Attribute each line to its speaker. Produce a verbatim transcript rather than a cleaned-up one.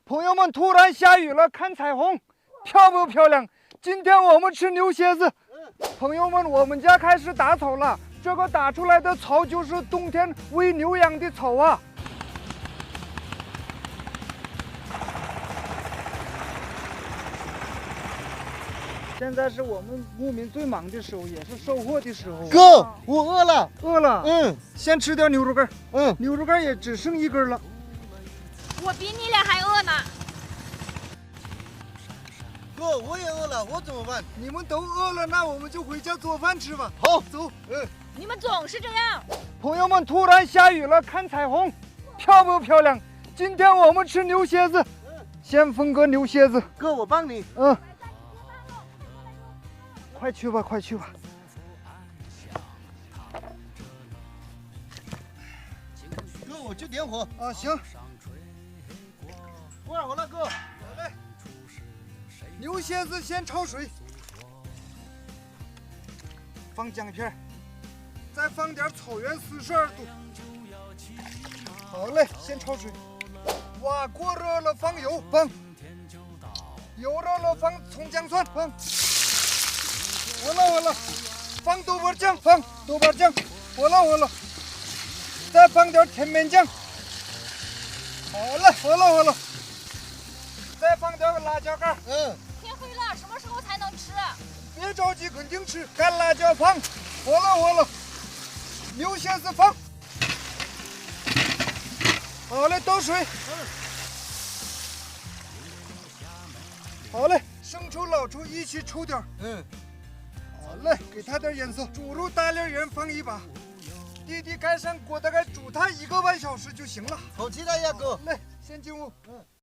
Speaker 1: 朋友们，突然下雨了，看彩虹，漂不漂亮？今天我们吃牛蝎子。朋友们，我们家开始打草了，这个打出来的草就是冬天喂牛羊的草啊。现在是我们牧民最忙的时候，也是收获的时候。
Speaker 2: 哥，我饿了，
Speaker 1: 饿了。
Speaker 2: 嗯，
Speaker 1: 先吃点牛肉干。
Speaker 2: 嗯，
Speaker 1: 牛肉干也只剩一根了。
Speaker 3: 我比你俩还饿呢。
Speaker 2: 哥，我也饿了，我怎么办？
Speaker 1: 你们都饿了，那我们就回家做饭吃吧。
Speaker 2: 好，
Speaker 1: 走。嗯，
Speaker 3: 你们总是这样。
Speaker 1: 朋友们，突然下雨了，看彩虹，漂不漂亮？今天我们吃牛蝎子。先分个牛蝎子。
Speaker 2: 哥，我帮你。
Speaker 1: 嗯。快去吧，快去吧。
Speaker 2: 哥，我去点火。
Speaker 1: 啊，行。
Speaker 2: 关好了，哥。
Speaker 1: 来，牛蝎子先焯水，放姜片，再放点草原四十二度。好嘞，先焯水。哇，锅热了，放油，放。油热了，放葱姜蒜，放。火了火了，放豆瓣酱，放豆瓣酱，火了火了，再放点甜面酱。好了，火了火了，再放点辣椒干。
Speaker 2: 嗯。
Speaker 3: 天黑了，什么时候才能吃？
Speaker 1: 别着急，肯定吃。干辣椒放，火了火了，牛蝎子放。好嘞，倒水。好嘞，生抽、老抽一起抽点。
Speaker 2: 嗯。
Speaker 1: 好嘞，给它点颜色。猪肉大粒盐放一把，弟弟盖上锅，大概煮它一个半小时就行了。
Speaker 2: 好期待呀，哥。
Speaker 1: 来，先进屋。嗯。